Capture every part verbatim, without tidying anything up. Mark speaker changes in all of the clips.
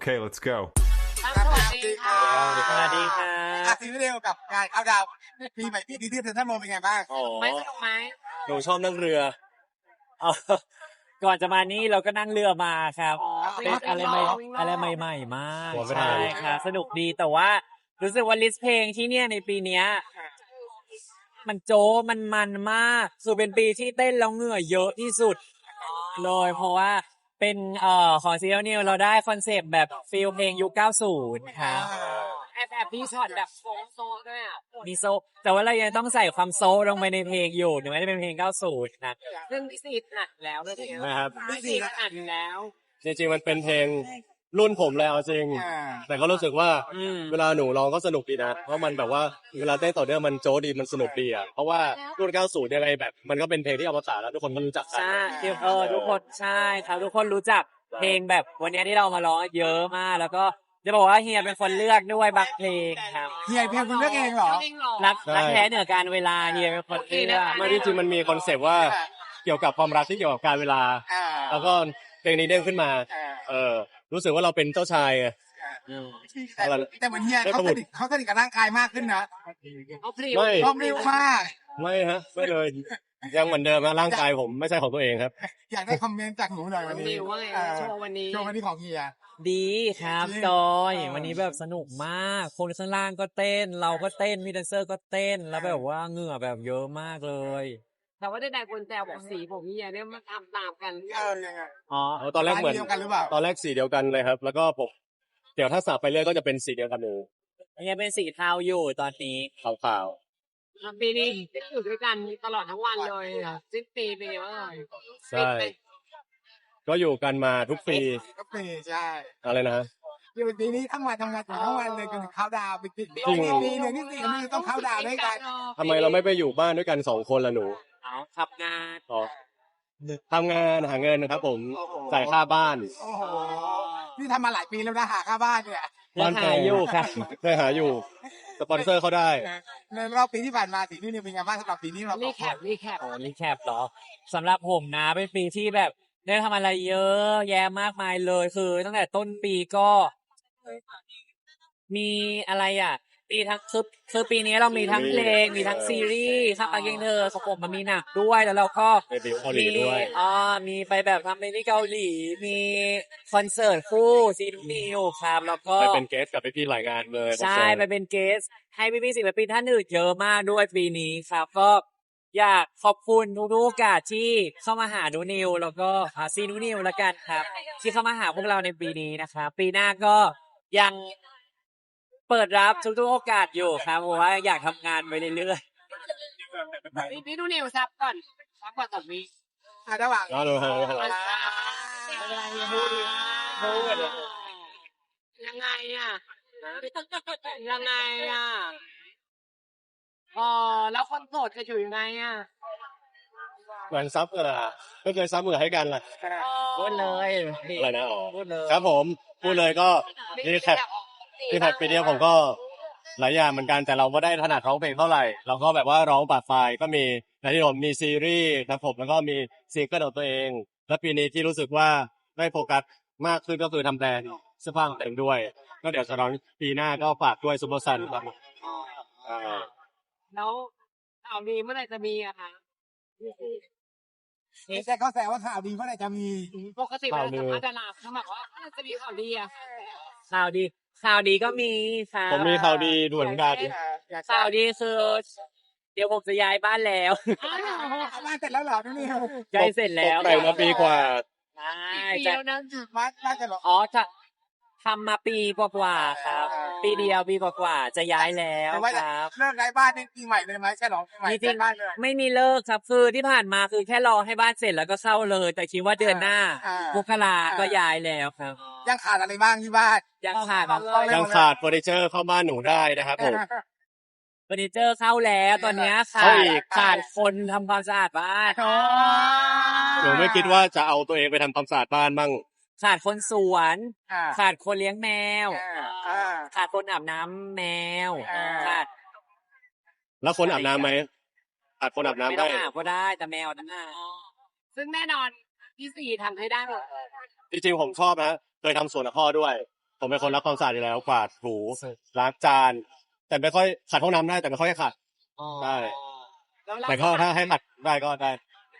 Speaker 1: Okay, let's go.
Speaker 2: สวัสดีค่ะ
Speaker 3: สวัสดีค่ะ
Speaker 2: อ่ะทีนี้เดียวกับการเข้าดาวน์ปีใหม่ปีนี้ที่เซ็นทรัลเวิลด์เป็นไงบ้าง
Speaker 3: โอ้
Speaker 4: ไม่สนุกไหม
Speaker 3: หนูชอบนั่งเรือเอาก่อนจะมานี่เราก็นั่งเรือมาครับ
Speaker 4: อ๋อ
Speaker 3: เป็นอะไรใหม่
Speaker 4: วิ่งรอบ
Speaker 3: อะไรใหม่ๆมาก
Speaker 5: หัวไม่ทัน
Speaker 3: ใช่ค่ะสนุกดีแต่ว่ารู้สึกว่าลิสต์เพลงที่เนี่ยในปีเนี้ยมันโจ๊มันมันมากสุดเป็นปีที่เต้นแล้วเหงื่อเยอะที่สุดเลยเพราะว่าเป็นเอ่อของซีเรียลนิวเราได้คอนเซปต์แบบฟีลเพลงยุคเก้าสิบครับ
Speaker 4: แอบแอบพี่ช็อตแบบโฟงโซด้วยอ่ะ
Speaker 3: มีโซแต่ว่าเรายังต้องใส่ความโซลงไปในเพลงอยู่ถึงแม้จะเป็นเพลงเก้าสิบนะ
Speaker 4: ซึ่งพี่ซีดหนักแล้วเลยทีเดียว
Speaker 5: นะครับ
Speaker 4: พี่ซีดอัดแล้ว
Speaker 5: จริงๆมันเป็นเพลงรุ่นผมเลยเอาจริง
Speaker 2: อ่า
Speaker 5: แต่ก็รู้สึกว่า
Speaker 3: อืม
Speaker 5: เวลาหนูร้องก็สนุกดีนะเพราะมันแบบว่าเวลาเต้นต่อเนื่องมันโจ๊ดีมันสนุกดีอ่ะเพราะว่ารุ่นเก้าสิบยังไงแบบมันก็เป็นเพลงที่อมตะแล้วทุกคนก็รู้จักกัน
Speaker 3: ใช่เออทุกคนใช่ครับทุกคนรู้จักเพลงแบบวันนี้ที่เรามาร้องเยอะมาก แล้วก็จะบอกว่าเฮียเป็นคนเลือกด้วยบางเพลงครับ
Speaker 2: เฮียเพลงคุณเลือกเองเหรอ
Speaker 4: จริงเหรอ
Speaker 3: รักรักแท้เหนือการเวลาเฮียเป็นคนเลือก
Speaker 5: ไม่ที่จริงมันมีคอนเซปต์ว่าเกี่ยวกับความรักที่เกี่ยวกับการเวลา
Speaker 2: อ่า
Speaker 5: แล้วก็เพลงนี้เด้งขึ้นมา
Speaker 2: อ่า
Speaker 5: เออรู้สึกว่าเราเป็นเจ้าชายไง
Speaker 3: อืม
Speaker 2: แต่แต่เหมือนเฮียเขาสนิทเขาสนิทกับร่างกายมากขึ้นนะ
Speaker 4: เอาพริว
Speaker 5: ไม่
Speaker 2: ชอบเร็วมาก
Speaker 5: ไม่ฮะไม่เลยยังเหมือนเดิมนะร่างกายผมไม่ใช่ของตัวเองครับ
Speaker 2: อยากได้คอมเมนต์จากหนูหน่อยวันนี้
Speaker 4: พริวว่าไง
Speaker 2: เออ
Speaker 4: โชว์วันนี้
Speaker 2: โชว์วันนี้ของเฮีย
Speaker 3: ดีครับ
Speaker 2: จริง
Speaker 3: จอย
Speaker 2: เออ
Speaker 3: วันนี้แบบสนุกมาก คนข้างล่างก็เต้น เราก็เต้นมีแดนเซอร์ก็เต้นแล้วแบบว่าเหงื่อแบบเยอะมากเลย
Speaker 4: แต่ว่าได้ได้คนแซวบอกสีผมเฮียเนี่ยมันตามตามๆกัน
Speaker 2: เออยังไง
Speaker 3: อ๋อ
Speaker 5: เอาตอนแรกเหมือน
Speaker 2: เดียวกันหรือเปล่า
Speaker 5: ตอนแรกสีเดียวกันเลยครับ แล้วก็ผมเดี๋ยวถ้าสับไปเรื่อยก็จะเป็นสีเดียวกันเลย
Speaker 3: เฮียเป็นสีเทาอยู่ตอนนี้
Speaker 5: ขาว
Speaker 4: ปีนี้อยู่ด้วยกันตลอดทั้งวันเลยอ่ะสิ้นปีเป็นไงบ้างเอ่ย
Speaker 5: ๆใช่ก็อยู่กันมาทุกปี
Speaker 2: ก็ปีใช่
Speaker 5: อะไรนะ
Speaker 2: อยู่ปีนี้ทั้งวันทำงานทั้งวันเลยจนถึงเข้าดาวน์ไปปี
Speaker 5: จริง
Speaker 2: ปีหนึ่งนี่สี่นี่ต้องเข้าดาวน์ด้วยกัน
Speaker 5: ทำไมเราไม่ไปอยู่บ้านด้วยกันสองคนล่ะหนู
Speaker 3: เอาขับงาน
Speaker 5: อ๋อทำงานหาเงินนะครับผมจ่ายค่าบ้าน
Speaker 2: โอ้โหนี่ทำมาหลายปีแล้วนะหาค่าบ้านเนี่ย
Speaker 3: ยังหาอยู่ครับ
Speaker 5: ได้หาอยู่สปอนเซอร์เขาได้
Speaker 2: ในรอบปีที่ผ่านมาสีนี่เนี่ยเป็นไงบ้างสำหรับปีนี้เรา
Speaker 4: รีแคปรีแคป
Speaker 3: โอ้รีแคปเหรอสำหรับผมนะเป็นปีที่แบบได้ทำอะไรเยอะแยะมากมายเลยคือ ตั้งแต่ต้นปีก็ มีอะไรอ่ะปีทั้งคือคือปีนี้เรามีทั้งเพลงมีทั้งซีรีส์ข้าปากเก่งเธอของผมมันมีหนักด้วยแล้วเราก็
Speaker 5: ไปดิวเกาหลีด้วย
Speaker 3: มีอ่ามีไปแบบทำไปที่เกาหลี มีคอนเสิร์ตคู่ซีนูนิวครับแล้วก็
Speaker 5: ไปเป็นเกสกับพี่ๆหลายงานเลย
Speaker 3: ใช่ไปเป็นเกส ให้พี่ๆศิลปินท่านอื่นเยอะมากด้วยปีนี้ครับ ก็อยากขอบคุณทุกๆโอกาสที่เข้ามาหานูนิว แล้วก็หาซีนูนิวแล้วกันครับ ที่เข้ามาหาพวกเราในปีนี้นะครับปีหน้าก็ยังเปิดรับทุกๆโอกาสอยู่ครับเพราะว่าอยากทำงานไปเรื่อย
Speaker 4: นี่พี่ดูนิวซับก่อนซับก่อนต่อวี
Speaker 2: อ่ะระหว่าง
Speaker 5: อ๋อดูฮะดูฮะ
Speaker 4: อะไรพูดพูดยังไงอ่ะยังไงอ่ะอ๋อแล้วคนโสดจะอยู่ยังไงอ่ะ
Speaker 5: เหมือนซับกันอะก็เคยซับมือให้กันล่ะ
Speaker 3: ๆพูดเลย
Speaker 5: อะไรนะอ๋อ
Speaker 3: พูดเลย
Speaker 5: ครับผมพูดเลยก็รีแคปรีแคปปีเดียวผมก็หลายอย่างเหมือนกันแต่เราไม่ได้ถนัดร้องเพลงเท่าไหร่เราก็แบบว่าร้องปาดไฟล์ก็มีในที่ผมมีซีรีส์ครับผมแล้วก็มีซิงเกิลของตัวเอง และปีนี้ที่รู้สึกว่าได้โฟกัสมากขึ้นก็คือทำแบรนด์เสื้อผ้าของตัวเองด้วย ก็เดี๋ยวจะร้องปีหน้าก็ฝากด้วยซูเปอร์ซันครับอ่า
Speaker 4: แล้วข่าวดีเมื่อไหร่จะมีอะคะ
Speaker 2: ไม่ใช่เขาแซวว่าข่าวดีเมื่อไหร่จะมี
Speaker 4: ปกติเวลาสัมภาษณ์ดาราเขาบอกว่าเมื่อไหร่จะมีข่าวดีอะ
Speaker 3: ข่าวดีข่าวดีก็มีค่ะ
Speaker 5: ผมมีข่าวดีด่วนเหมือนกัน
Speaker 3: ข่าวดีคือเดี๋ยวผมจะย้ายบ้านแล้ว
Speaker 4: อ้าว
Speaker 2: เอาบ้านเสร็จแล้วเหรอนี่
Speaker 3: ย้ายเสร็จแล้ว
Speaker 5: ตกแต่งมาปีกว่า
Speaker 3: ใช่
Speaker 4: ปี
Speaker 3: จะ
Speaker 4: แล้วนะ
Speaker 2: บ้านบ้านจะเหรอ
Speaker 3: อ๋อจะทำมาปีกว่าๆครับ ปีเดียวปีกว่าๆจะย้ายแล้ว
Speaker 2: แต่ว่า
Speaker 3: ค
Speaker 2: จะ
Speaker 3: รับ
Speaker 2: เลิกย้ายบ้านนี่ปีใหม่เลยไหมใช่หรอปีใหม่
Speaker 3: จริ
Speaker 2: เสร็
Speaker 3: ง
Speaker 2: จบ้านเลย
Speaker 3: ๆไม่มีเลิกครับคือที่ผ่านมาคือแค่รอให้บ้านเสร็จแล้วก็เข้าเลย แต่คิดว่าเดือนหน้า
Speaker 2: อ่า
Speaker 3: มกราก็ย้ายแล้วครับ
Speaker 2: ยังขาดอะไรบ้างที่บ้าน
Speaker 3: ยังขาด
Speaker 5: ยังขาดเฟอร์นิเจอร์เข้าบ้านหนูได้นะครับผม
Speaker 3: เฟอร์นิเจอร์เข้าแล้วตอนเนี้ยขา
Speaker 5: เข้า
Speaker 3: ด
Speaker 5: อีก
Speaker 3: ขาดคนทำความสะอาดบ้าน
Speaker 2: โอ้
Speaker 5: หนูไม่คิดว่าจะเอาตัวเองไปทำความสะอาดบ้านบ้าง
Speaker 3: ขาดคนสวน
Speaker 2: อ่า
Speaker 3: ขาดคนเลี้ยงแมว
Speaker 2: อ่า
Speaker 3: ขาดคนอาบน้ำแมว
Speaker 2: อ่า
Speaker 3: ขาด
Speaker 5: แล้วคนอาบน้ำไหมอาบคนอาบน้ำ
Speaker 3: ไม่
Speaker 5: ได้
Speaker 3: ต้องอาบก็ได้แต่แมวนั่นน่ะ
Speaker 4: ซึ่งแน่นอนพี่สี่ทำให้ได้หมด
Speaker 5: จริงๆผมชอบนะเคยทำสวนกับพ่อด้วยผมเป็นคนรักความสะอาดอยู่แล้วกวาดถูล้างจาน แต่ไม่ค่อยขัดห้องน้ำได้แต่ไม่ค่อยให้ขัด
Speaker 4: อ๋อ
Speaker 5: ได้
Speaker 4: แล้ว
Speaker 5: แต่ก็ถ้าให้ขัดได้ก็ได้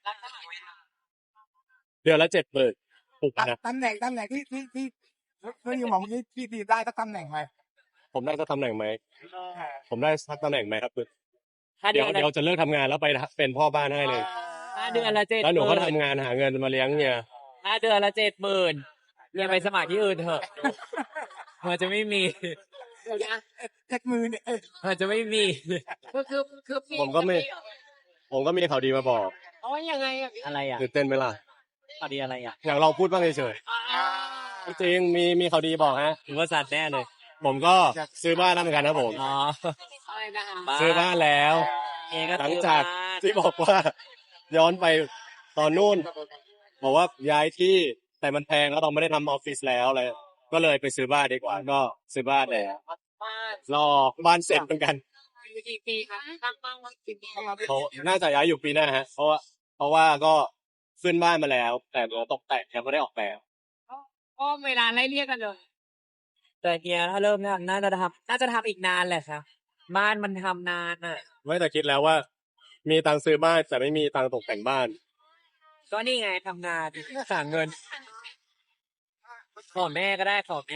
Speaker 5: เดือนละเจ็ดหมื่นถูกนะ
Speaker 2: ตำแหน่งตำแหน่งที่ที่ที่เพื่อนยังบอกเมื่อกี้ที่ที่ได้สักตำแหน่งไหม
Speaker 5: ผมได้สักตำแหน่งไหมผมได้สักตำแหน่งไหมครับ
Speaker 3: ถ้า
Speaker 5: เดี๋
Speaker 3: เดื
Speaker 5: ยว
Speaker 3: อนละ
Speaker 5: เดี๋ยวจะเลิกทำงานแล้วไปเป็นพ่อบ้านให้เลย
Speaker 3: ถ้าเดือนละเจ็ด
Speaker 5: แล้วหนู
Speaker 3: ห
Speaker 5: ก็
Speaker 3: มื่น
Speaker 5: ทำงานหาเงินมาเลี้ยงเนี่ย
Speaker 3: ถ้าเดือนละเจ็ดหมื่นเรียนไปสมัครที่อื่นเถอะมันจะไม่มี
Speaker 4: เดี๋ยวนะ
Speaker 2: เจ็ดมือเนี่ยเอ้ย
Speaker 3: มันจะไม่มี
Speaker 4: คือคือคือพี่
Speaker 5: ผมก็ไม่ ผมก็มีข่าวดีมาบอก
Speaker 4: โอ้ยยังไงอะพี่
Speaker 3: อะไรอ่ะ
Speaker 5: ตื่นเต้นไหมล่ะ
Speaker 3: ข่าวดีอะไรอ่ะ
Speaker 5: อยากลองพูดบ้างเฉย
Speaker 4: อ่า
Speaker 5: ๆจริงๆมีมีข่าวดีบอกฮะ
Speaker 3: ถือว่าสัตว์แน่เลย
Speaker 5: ผมก็ซื้อบ้านแล้วเหมือนกันนะผม
Speaker 3: อ๋อ
Speaker 4: อะไรนะคะ
Speaker 3: บ้า
Speaker 5: ซื้อบ้านแล้ว
Speaker 3: เองก็
Speaker 5: หลัง
Speaker 3: ซื้อ
Speaker 5: จาก
Speaker 3: บ้าน
Speaker 5: ที่บอกว่า ย้อนไปตอนนู่นบอกว่าย้ายที่แต่มันแพงแล้วเราไม่ได้ทำออฟฟิศแล้วเลยก็เลยไปซื้อบ้านดีกว่าก็ซื้อบ้านแล้ว
Speaker 4: บ้าน
Speaker 5: รอบ้านเสร็จเหมือนกัน
Speaker 4: อยู่กี่ปีคะทำบ้านมากี่ปี
Speaker 5: เขาน่าจะย้ายอยู่ปีหน้าฮะ เพราะว่าเพราะว่าก็ขึ้นบ้านมาแล้ว แต่เราตกแต่งยังไม่ได้ออกแบบ
Speaker 4: ก็เวลาไล่เรียกกันเลย
Speaker 3: แต่เฮียถ้าเริ่มเนี่ยน่าจะทำน่าจะทำอีกนานแหละครับ บ้านมันทำนานอ่ะ
Speaker 5: ไม่แต่คิดแล้วว่า มีตังค์ซื้อบ้านแต่ไม่มีตังค์ตกแต่งบ้าน
Speaker 3: ก็นี่ไงทำงานหาเงิน ขอแม่ก็ได้ขอแม่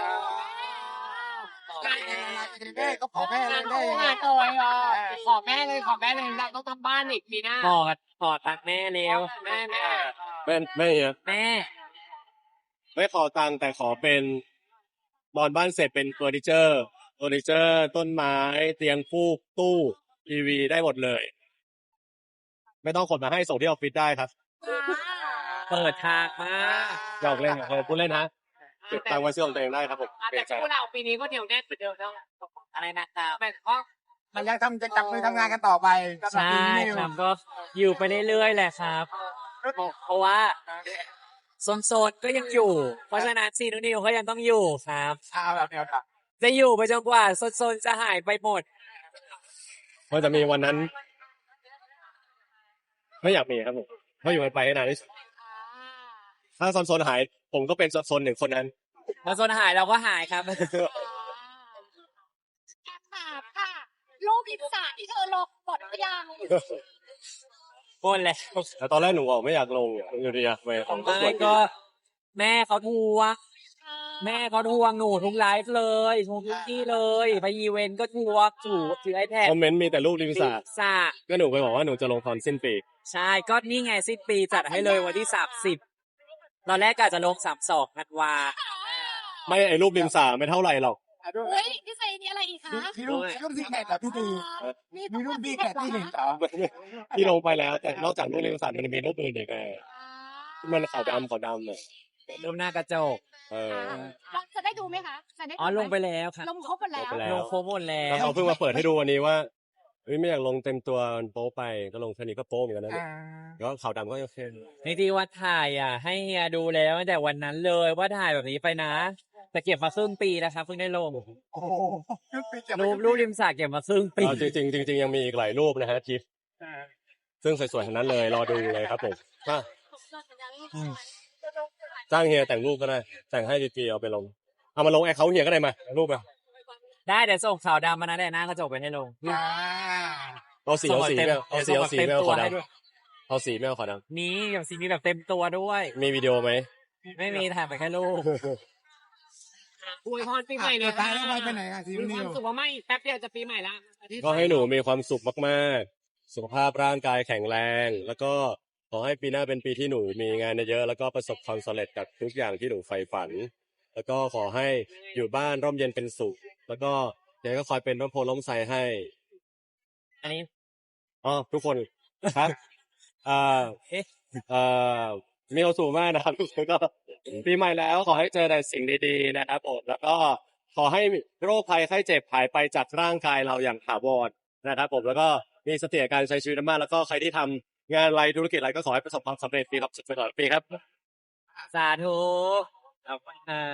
Speaker 2: แม่ก็ขอแม่เลย
Speaker 4: ได้
Speaker 2: ได้
Speaker 4: งานตัวอ่ะขอแม่เลยขอแม่เลยเราต้องทำบ้านอีกปีหน้า
Speaker 3: ขอขอตังค์แม่เร็ว
Speaker 4: แม่แม่
Speaker 5: ไม่ไม่เฮีย
Speaker 3: แม่
Speaker 5: ไม่ขอตังค์แต่ขอเป็นบอนบ้านเสร็จเป็นเฟอร์นิเจอร์เฟอร์นิเจอร์ ต้นไม้เตียงฟูกตู้ทีวีได้หมดเลย ไม่ต้องขนมาให้ส่งที่ออฟฟิศได้ครับ
Speaker 3: เปิดทางมา
Speaker 5: หยอกเล่นครับพูดเล่นฮะเก็บตังค์ไว้ซื้อของตัวเองได้ครับผม
Speaker 4: แต่คู่เราปีนี้ก็เดี๋ยวแน่นเหมือนเดิมแล้ว
Speaker 3: อะไรนะครับ
Speaker 4: แม่ก็
Speaker 2: มันยังทำจะจับมือทำงานกันต่อไปสำหรับ
Speaker 3: ใช่
Speaker 2: ปีนี้
Speaker 3: ครับก็อยู่ไปเรื่อยๆแหละครับ เพราะว่าโซนๆก็ยังอยู่ เพราะฉะนั้นซีนูนิวก็ยังต้องอยู่ครับ
Speaker 2: เอาแบบแนวทาง
Speaker 3: จะอยู่ไปจนกว่าโซนๆจะหายไปหมด
Speaker 5: เพราะจะมีวันนั้น ไม่อยากมีครับผมเพราะอยู่ไปให้นานที่สุดถ้าโซนๆหาย ผมก็เป็นโซนหนึ่งคนนั้น
Speaker 3: พอโซนหายเราก็หายครับ
Speaker 1: แอบถามค่ะรูปอิสระที่เธอลงหมดหรือยัง
Speaker 3: หมดแล้ว
Speaker 5: แต่ตอนแรกหนูบอกไม่อยากลงอยู่ดีอะไป
Speaker 3: ไม่ก็แม่เขาทวงแม่เขาทวงหนูทุกไลฟ์เลยทุกที่เลย ไปอีเวนต์ก็ทวงถูถือไอแพด
Speaker 5: คอมเมนต์มีแต่รูปริมสระ
Speaker 3: สระ
Speaker 5: ก็หนูไปบอกว่าหนูจะลงตอนสิ้นปี
Speaker 3: ใช่ก็นี่ไงสิ้นปีจัดให้เลยวันที่สามสิบตอนแรกกะจะลงสามสองธันวา
Speaker 5: ไม่ไอ้รูปริมสระไม่เท่าไหร่หรอก
Speaker 1: เฮ้ยพี่เซนี่อะไรอีกคะ
Speaker 2: พี่รุ่นพี่รุ่นที่แข่งกับพี่ตี
Speaker 1: มี
Speaker 2: มีรุ่นพี่แข่งที่หนึ่งต่อ
Speaker 5: ที่ลงไปแล้ว แต่นอกจากรูปริมสระมันมีรูปอื่นอีกไงมันขาวดำขาวดำเนี่ย
Speaker 3: รูปหน้ากระจก
Speaker 5: เออ
Speaker 1: เราจะได้ดูไหมคะจะได้ดู
Speaker 3: อ๋อ
Speaker 1: หม
Speaker 3: ลงไปแล้วครับ
Speaker 1: ลงครบหมดแล้ว
Speaker 5: ลงไปแล้
Speaker 3: ล
Speaker 5: ว
Speaker 3: งโครบหมดแล้
Speaker 5: แล้ว
Speaker 3: ว
Speaker 5: เขาเพิ่งมาเปิดให้ดูวันนี้ว่าเฮ้ยไม่อยากลงเต็มตัวมันโป๊ไปก็ลงแค่นี้ก็โป๊เหมือนกันนะ
Speaker 2: อ่า
Speaker 5: แล้วขาวดำก็โอเค
Speaker 3: จริงๆว่าถ่ายอ่ะ ให้เฮียดูแล้วตั้งแต่วันนั้นเลยว่าถ่ายแบบนี้ไปนะ แต่เก็บมาครึ่งปีนะครับเพิ่งได้ลง
Speaker 2: โอ้โหรุ่นพี่จะ
Speaker 3: รูปรูปริมสระเก็บมาครึ่งปี
Speaker 5: เอาจริงๆจริงๆยังมีอีกหลายรูปนะฮะจิฟซึ่งสวยๆทั้งนั้นเลยรอดูเลยครับผมอ่ะจ้างเฮียแต่งรูปก็ได้ แต่งให้ฟรีๆเอาไปลงเอามาลงแอคเคาท์เฮียก็ได้มารูปมา
Speaker 3: ได้เดี๋ยวส่งขาวดำมานะแต่หน้ากระจกไปให้ลง
Speaker 2: อ่า
Speaker 5: เอาสีเอาสีไม่เอาเอาสีเอาสีไม่เอาขาวด
Speaker 3: เต็มตัวให้ด้วย
Speaker 5: ำเอาสีไม่เอาขาวด
Speaker 3: นี่อย่างสีนี้แบบเต็มตัวด้วย
Speaker 5: ำมีวิดีโอไหม
Speaker 3: ไม่มีถ่ายไปแค่รูป
Speaker 4: อวยพรปีใหม่เลย
Speaker 2: ตายแล้วไปไปไหนอ่ะซี
Speaker 4: มี
Speaker 2: นิ
Speaker 4: ความ
Speaker 2: ว
Speaker 4: สุขว่าไม่แป๊บเดียวจะปีใหม่ละ
Speaker 5: ก็ให้หนูมีความสุขมากๆ สุขภาพร่างกายแข็งแรง แล้วก็ขอให้ปีหน้าเป็นปีที่หนูมีงานเยอะๆแล้วก็ประสบความสำเร็จกับทุกอย่างที่หนูใฝ่ฝัน แล้วก็ขอให้อยู่บ้านร่มเย็นเป็นสุข แล้วก็เดี๋ยวก็คอยเป็นร่มโพล่มไทรให้
Speaker 3: อันนี้
Speaker 5: อ๋อทุกคนครับอ่า
Speaker 3: เอ๊ะ
Speaker 5: เอ่อมีความสุขมากนะครับ แล้วก็ปีใหม่แล้วขอให้เจอแต่สิ่งดีๆนะครับผมแล้วก็ขอให้โรคภัยไข้เจ็บหายไปจากร่างกายเราอย่างถาวรนะครับผมแล้วก็มีสติในการใช้ชีวิตมากแล้วก็ใครที่ทำงานอะไรธุรกิจอะไรก็ขอให้ประสบความสำเร็จปีครับสุดๆตลอดปีครับ
Speaker 3: สาธุขอบคุณครับ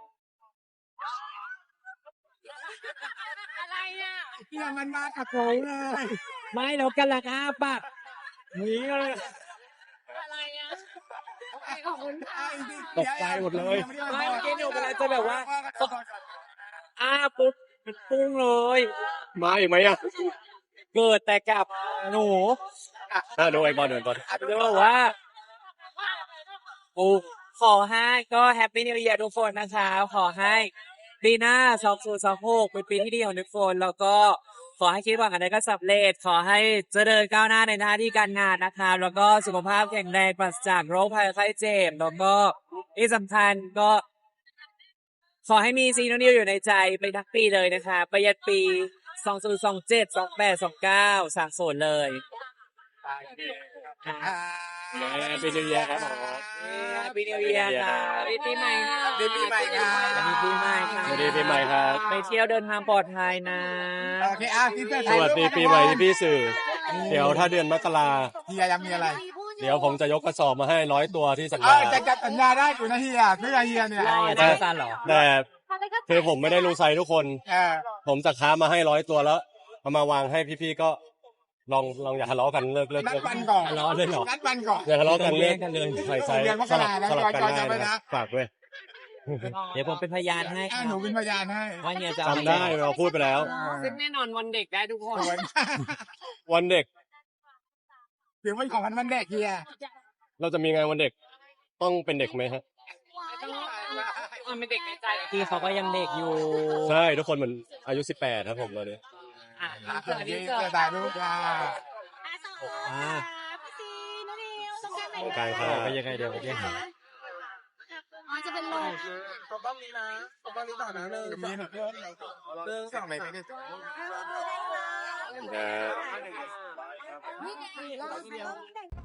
Speaker 4: อะไรอ่ะ
Speaker 2: ที่มันมากับโผเลย
Speaker 3: ไม่เรากันละครับปากนี้เลย
Speaker 4: อะไรอ่ะขอบคุณค่ะ
Speaker 5: ตกใจหมดเลย
Speaker 3: ไม่เมื่อกี้หนูกำลังจะแบบว่าขอบอ้าปุ๊บมันพุ่งเลย
Speaker 5: มาอีกไหมอ่ะ
Speaker 3: เกิดแต่กับหนู
Speaker 5: อ่ะดูไอ้บอลดูไอ้บอล
Speaker 3: จะบอกว่าปูขอให้ก็แฮปปี้นิว e ย r ทุกคนนะคะขอให้ปีหน้าสองศูนย์สองหกเป็นปีที่ดีของทุกคนแล้วก็ขอให้คิดหวังอะไรก็สำเร็จ ขอให้เจริญก้าวหน้าในหน้าที่การงานนะคะแล้วก็สุขภาพแข็งแรงปราศจากโรคภัยไข้เจ็บแล้วก็ที่สำคัญก็ ขอให้มีซีโนนิวอยู่ในใจไปทั้งปีเลยนะคะไปยันปีสองศูนย์สองเจ็ด สองแปด สองเก้าสามศูนย์เลย
Speaker 2: อ่า
Speaker 5: เป็นนิวเยียร์ครับผม
Speaker 3: ปีนิวเยียร์ค่ะปีใหม่ค่ะ
Speaker 2: ดีปีใหม่ครับ
Speaker 3: สวัสดีปีใหม่ค่ะ
Speaker 5: สวัสดีปีใหม่ครับ
Speaker 3: ไปเที่ยวเดินทางปลอดภัยนะ
Speaker 2: โอเคอ่ะพี่เพื่อน
Speaker 5: สวัสดีปีใหม่ที่พี่สื่อ เดี๋ยวถ้าเดือนมกรา
Speaker 2: เฮียยังมีอะไร
Speaker 5: เดี๋ยวผมจะยกกระสอบมาให้ร้อยตัวที่สัญ
Speaker 2: เอ
Speaker 5: ญา
Speaker 2: อจะจัดสัญญาได้อยู่นะเฮียเพื่อเฮียเนี่ย
Speaker 3: ใช่อาจารย์ซันเหรอ
Speaker 5: แต่คือผมไม่ได้รู้ไซส์ทุกคน
Speaker 2: เออ
Speaker 5: ผมจะค้ามาให้ร้อยตัวแล้วเอามาวางให้พี่ๆก็ลองลองอย่าทะเลาะกันเลิกเลิก
Speaker 2: นัด
Speaker 5: เลิก
Speaker 2: วันก่อน
Speaker 3: ทะเลาะเลยเหรอ
Speaker 2: นัดวันก่อน
Speaker 5: อย่าทะเลาะกัน
Speaker 3: ต้อง
Speaker 5: เลิ
Speaker 3: แย
Speaker 5: ก
Speaker 3: กกันเลย
Speaker 5: ใส่ไซส์
Speaker 2: เดือนมก
Speaker 5: สลั
Speaker 2: รา
Speaker 5: บ
Speaker 2: แล้ว
Speaker 5: สลับกัน
Speaker 2: จอย
Speaker 5: ได้
Speaker 2: จำไว้
Speaker 5: นะ
Speaker 2: นะ
Speaker 5: ฝากด้วย
Speaker 3: เดี๋ยวผมเป็นพยานให้
Speaker 2: อ่ะหนูเป็นพยานให้
Speaker 3: ว่าเนี่ยจะ
Speaker 5: จำได้เราพูดไปแล้ว
Speaker 4: ซึ่งแน่นอนวันเด็กได้ทุกคน
Speaker 2: สวย
Speaker 5: วันเด็ก
Speaker 2: ถือเป็นของวันวันเด็กเฮีย
Speaker 5: เราจะมีงานวันเด็กต้องเป็นเด็กไหมฮะ
Speaker 4: มันเป็นเด็กในใจ
Speaker 3: พี่เขาก็ยังเด็กอยู่
Speaker 5: ใช่ทุกคนเหมือนอายุสิบแปดครับผมตอนนี้
Speaker 4: อ่ะ
Speaker 2: อ่ะ
Speaker 4: เกิด
Speaker 2: เฮี
Speaker 4: ที่
Speaker 2: ย
Speaker 4: เกิด
Speaker 2: จะตายลูกอ่ะ
Speaker 3: อ่า
Speaker 1: พี่ซีนุนิวต้องการไหน
Speaker 5: กลาง
Speaker 3: ไป
Speaker 5: ค่ะ
Speaker 3: ยังไงเดี๋ยวไปยังไง
Speaker 1: อ๋อจะเป็นโลก
Speaker 2: ผมบ้างนี้นะผมบ้างนี้ต่อนะหนึ่งมีหนึ่งเรื่องเรื่องสองไหนไม่ได้
Speaker 5: นะ
Speaker 1: นี่ไงเราต้องแต่ง